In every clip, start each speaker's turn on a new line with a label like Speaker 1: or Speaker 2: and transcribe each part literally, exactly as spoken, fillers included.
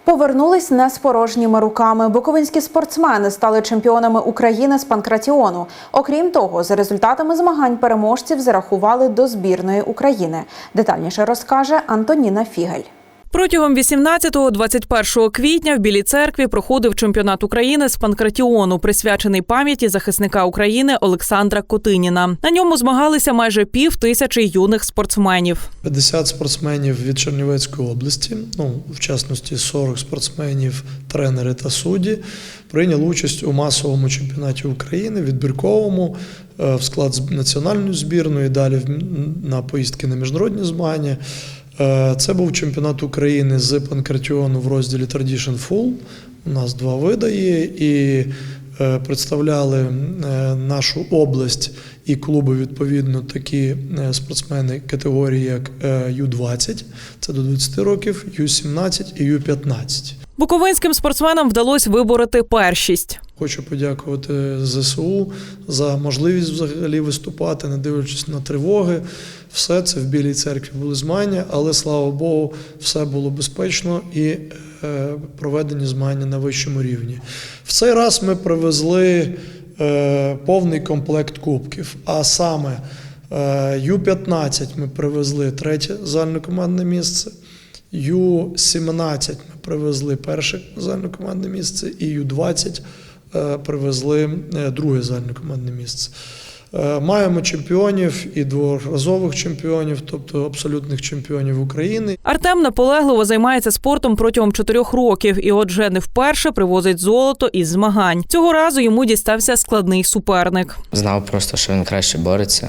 Speaker 1: Повернулись не з порожніми руками. Буковинські спортсмени стали чемпіонами України з панкратіону. Окрім того, за результатами змагань переможців зарахували до збірної України. Детальніше розкаже Антоніна Фігель.
Speaker 2: Протягом вісімнадцятого - двадцять першого квітня в Білій Церкві проходив чемпіонат України з панкратіону, присвячений пам'яті захисника України Олександра Котиніна. На ньому змагалися майже пів тисячі юних спортсменів.
Speaker 3: п'ятдесят спортсменів від Чернівецької області, ну, в частності сорок спортсменів, тренери та судді, прийняли участь у масовому чемпіонаті України, відбірковому, в склад національної збірної, далі на поїздки на міжнародні змагання. Це був чемпіонат України з панкратіону в розділі Tradition Full. У нас два види є, і представляли нашу область і клуби, відповідно, такі спортсмени категорії, як ю двадцять, це до двадцяти років, ю сімнадцять і ю п'ятнадцять.
Speaker 2: Буковинським спортсменам вдалося вибороти першість.
Speaker 3: Хочу подякувати зе се у за можливість взагалі виступати, не дивлячись на тривоги. Все це в Білій Церкві були змагання, але, слава Богу, все було безпечно і е, проведені змагання на вищому рівні. В цей раз ми привезли е, повний комплект кубків, а саме е, ю п'ятнадцять ми привезли третє загальнокомандне місце, ю сімнадцять ми привезли перше загальнокомандне місце і ю двадцять привезли друге загальнокомандне місце. Маємо чемпіонів і дворазових чемпіонів, тобто абсолютних чемпіонів України.
Speaker 2: Артем наполегливо займається спортом протягом чотирьох років і отже не вперше привозить золото із змагань. Цього разу йому дістався складний суперник.
Speaker 4: Знав просто, що він краще бореться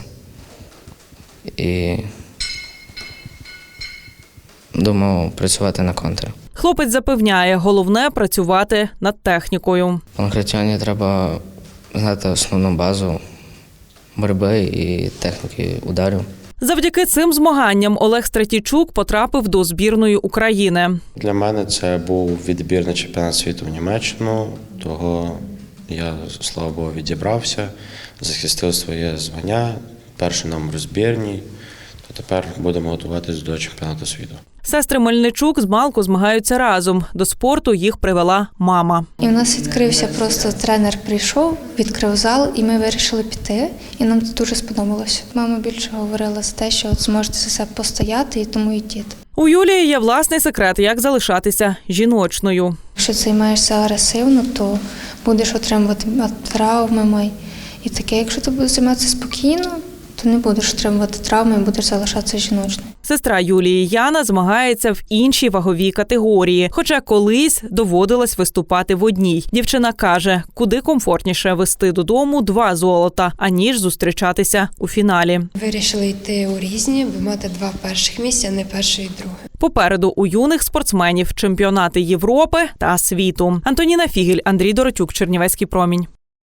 Speaker 4: і думав працювати на контр.
Speaker 2: Хлопець запевняє, головне – працювати над технікою.
Speaker 4: В панкратіоні треба знати основну базу боротьби і техніки ударів.
Speaker 2: Завдяки цим змаганням Олег Стратійчук потрапив до збірної України.
Speaker 5: Для мене це був відбір на чемпіонат світу в Німеччину, того я, слава Богу, відібрався, захистив своє звання, перший номер збірній, то тепер будемо готуватися до чемпіонату світу.
Speaker 2: Сестри Мельничук змалку змагаються разом. До спорту їх привела мама.
Speaker 6: І в нас відкрився просто тренер прийшов, відкрив зал, і ми вирішили піти. І нам це дуже сподобалося. Мама більше говорила за те, що от зможете за себе постояти, і тому йдіть.
Speaker 2: У Юлії є власний секрет, як залишатися жіночною.
Speaker 6: Якщо займаєшся агресивно, то будеш отримувати травми. І таке, якщо ти будеш займатися спокійно, то не будеш отримувати травми і будеш залишатися жіночною.
Speaker 2: Сестра Юлії Яна змагається в іншій ваговій категорії, хоча колись доводилось виступати в одній. Дівчина каже, куди комфортніше вести додому два золота, аніж зустрічатися у фіналі.
Speaker 7: Вирішили йти у різні, бо мати два перших місця, а не перше і друге.
Speaker 2: Попереду у юних спортсменів чемпіонати Європи та світу. Антоніна Фігель, Андрій Доротюк, Чернівецький промінь.